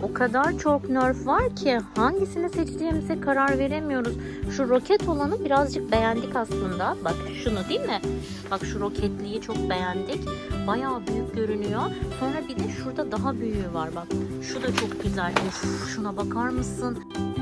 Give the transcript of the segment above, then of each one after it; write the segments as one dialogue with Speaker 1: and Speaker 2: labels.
Speaker 1: O kadar çok Nerf var ki hangisini seçtiğimize karar veremiyoruz. Şu roket olanı birazcık beğendik aslında. Bak şunu değil mi? Bak şu roketliyi çok beğendik. Bayağı büyük görünüyor. Sonra bir de şurada daha büyüğü var bak. Şu da çok güzel. Of, şuna bakar mısın?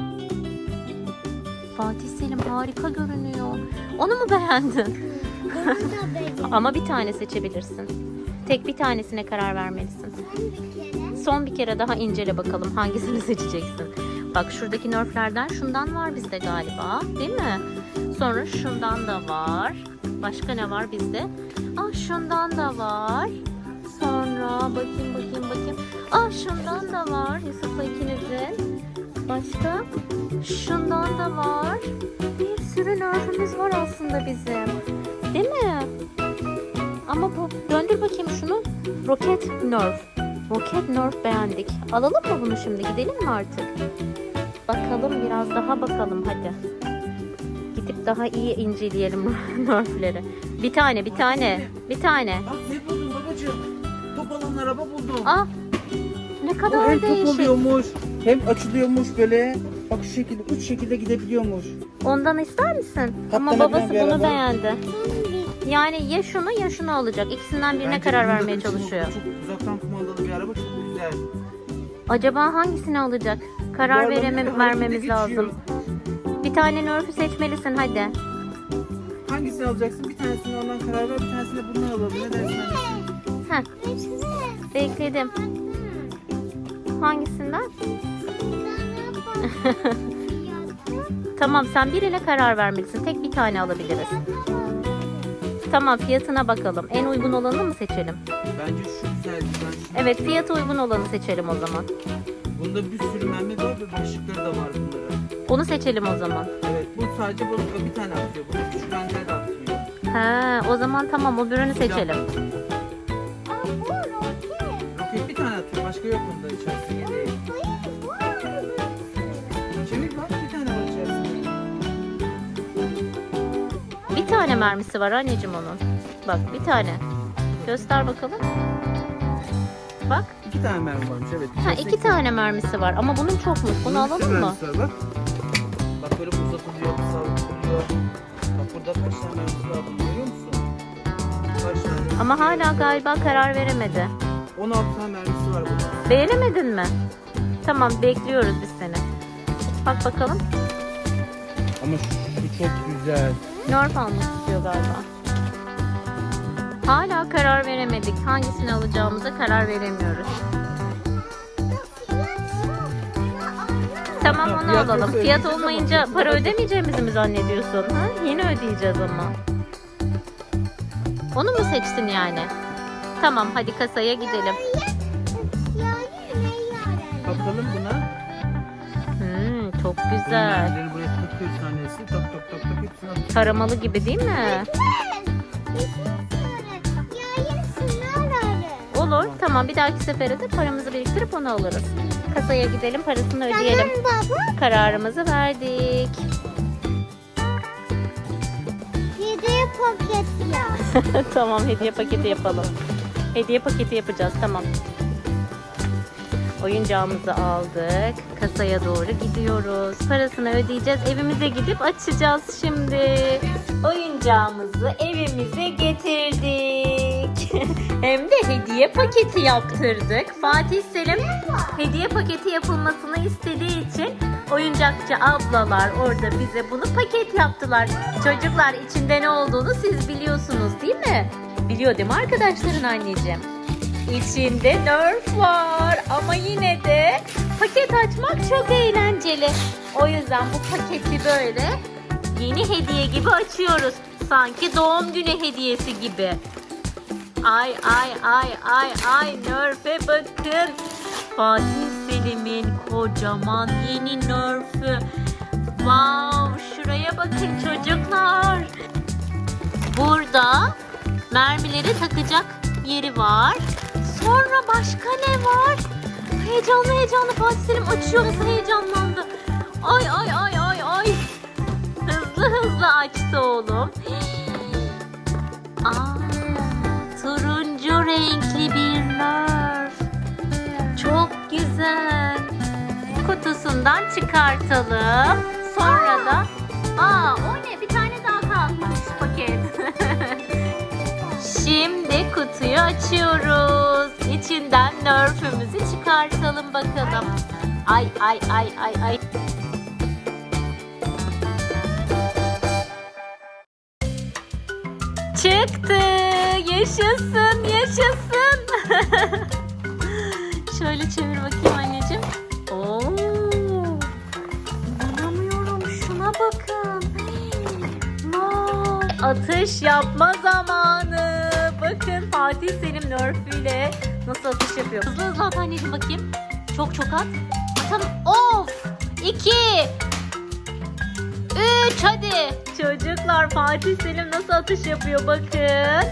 Speaker 1: Fatih Selim harika görünüyor. Onu mu beğendin? Ama bir tane seçebilirsin. Tek bir tanesine karar vermelisin. Son bir kere daha incele bakalım hangisini seçeceksin. Bak şuradaki Nerf'lerden şundan var bizde galiba, değil mi? Sonra şundan da var. Başka ne var bizde? Şundan da var. Sonra bakayım. Şundan da var Yusuf'la ikinizin. Başka? Şundan da var. Bir sürü Nerf'ümüz var aslında bizim. Değil mi? Ama bu, döndür bakayım şunu. Roket Nerf. Roket Nerf beğendik. Alalım mı bunu şimdi? Gidelim mi artık? Bakalım biraz daha bakalım hadi. Gidip daha iyi inceleyelim Nerf'leri. Bir tane.
Speaker 2: Bak ne buldun babacığım? Top alan araba buldum.
Speaker 1: Ne
Speaker 2: O
Speaker 1: kadar
Speaker 2: hem top
Speaker 1: değişik.
Speaker 2: oluyormuş, hem açılıyormuş böyle. Bak şu şekilde, 3 şekilde gidebiliyormuş.
Speaker 1: Ondan ister misin? Ama
Speaker 2: Katlanabilir
Speaker 1: babası
Speaker 2: bir
Speaker 1: bunu
Speaker 2: araba.
Speaker 1: beğendi. Yani ya şunu ya şunu alacak. İkisinden birine
Speaker 2: Bence
Speaker 1: karar
Speaker 2: bunun da
Speaker 1: vermeye
Speaker 2: çok-
Speaker 1: çalışıyor.
Speaker 2: Çok uzaktan kumandalı bir araba, çok güzel.
Speaker 1: Acaba hangisini alacak? Karar
Speaker 2: Bu arabanın bir
Speaker 1: vermemiz
Speaker 2: harekete
Speaker 1: lazım.
Speaker 2: geçiyor.
Speaker 1: Bir tane Nerf'ü seçmelisin hadi.
Speaker 2: Hangisini alacaksın? Bir tanesini ondan karar ver, bir tanesini de bundan alalım. Ne dersin annesi?
Speaker 1: Bekledim. Hangisinden? Tamam, sen birine karar vermelisin. Tek bir tane alabiliriz. Tamam, fiyatına bakalım. En uygun olanı mı seçelim?
Speaker 2: Bence şu güzel.
Speaker 1: Evet, fiyatı uygun olanı seçelim o zaman.
Speaker 2: Bunda bir sürü mermi var ve başlıkları da var bunların.
Speaker 1: Onu seçelim o zaman.
Speaker 2: Evet, bu sadece bir tane atıyor. Bunu küçük mermileri de atıyor.
Speaker 1: O zaman tamam, o ürünü seçelim.
Speaker 2: Roket bir tane atıyor, başka yok bunda içerisinde değil. Çevik bak, bir tane var içerisinde.
Speaker 1: Bir tane mermisi var anneciğim onun. Bak, bir tane. Göster bakalım. Bak.
Speaker 2: 2 tane mermi varmış, evet.
Speaker 1: İki tane mermisi var ama bunun çokmuş. Bunu alalım mı?
Speaker 2: Bak. Bak böyle uzatılıyor, savruluyor. Bak burada kaç tane mermisi var, bunu görüyor musun? Kaç tane?
Speaker 1: Ama hala galiba karar veremedi.
Speaker 2: 16 tane mermisi var burada.
Speaker 1: Beğenemedin mi? Tamam, bekliyoruz biz seni. Bak bakalım.
Speaker 2: Ama şu çok güzel.
Speaker 1: Nerf almak istiyor galiba. Hala karar veremedik. Hangisini alacağımıza karar veremiyoruz. Tamam, onu
Speaker 2: Fiyat
Speaker 1: alalım.
Speaker 2: yoksa
Speaker 1: Fiyat
Speaker 2: ödeyeceğiz
Speaker 1: olmayınca
Speaker 2: ama.
Speaker 1: para ödemeyeceğimizi mi zannediyorsun? Yeni ödeyeceğiz ama. Onu mu seçtin yani? Tamam, hadi kasaya gidelim.
Speaker 2: Bakalım buna.
Speaker 1: Çok güzel.
Speaker 2: Mermileri buraya takıyoruz tanesi. Tak hepsini atıyoruz.
Speaker 1: Taramalı gibi değil mi? Olur. Tamam, bir dahaki sefere de paramızı biriktirip onu alırız. Kasaya gidelim, parasını ödeyelim. Kararımızı verdik.
Speaker 3: Hediye paketi ya.
Speaker 1: Tamam, hediye paketi yapalım. Hediye paketi yapacağız, tamam. Oyuncağımızı aldık. Kasaya doğru gidiyoruz. Parasını ödeyeceğiz. Evimize gidip açacağız şimdi. Oyuncağımızı evimize getirdik. Hem de hediye paketi yaptırdık. Fatih Selim hediye paketi yapılmasını istediği için oyuncakçı ablalar orada bize bunu paket yaptılar. Çocuklar, içinde ne olduğunu siz biliyorsunuz değil mi? Biliyor değil mi arkadaşların anneciğim? İçinde Nerf var ama yine de paket açmak çok eğlenceli. O yüzden bu paketi böyle yeni hediye gibi açıyoruz. Sanki doğum günü hediyesi gibi. Ay Nerf'e bakın. Fatih Selim'in kocaman yeni Nerf'ü. Wow, şuraya bakın çocuklar. Burada mermileri takacak yeri var. Sonra başka ne var? Heyecanlı Fatih Selim açıyor, nasıl heyecanlandı. Ay. Hızlı açtı oğlum. Turuncu renkli bir Nerf. Çok güzel. Kutusundan çıkartalım. Sonra da o ne? Bir tane daha kalmış paket. Şimdi kutuyu açıyoruz. İçinden Nerf'ümüzü çıkartalım bakalım. Ay. Çıktı. Yaşasın. Şöyle çevir bakayım anneciğim. Oo. İnanamıyorum. Şuna bakın. Vay. Atış yapma zamanı. Bakın Fatih Selim Nerf'üyle nasıl atış yapıyor. Hızlı at anneciğim bakayım. Çok at. Atalım. Of. 2 3 hadi. Çocuklar Fatih Selim nasıl atış yapıyor bakın.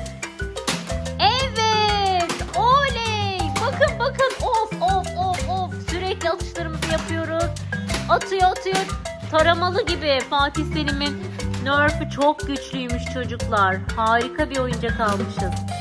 Speaker 1: Evet. Oley. Bakın. Of. Sürekli atışlarımızı yapıyoruz. Atıyor. Taramalı gibi. Fatih Selim'in Nerf'ü çok güçlüymüş çocuklar. Harika bir oyuncak almışız.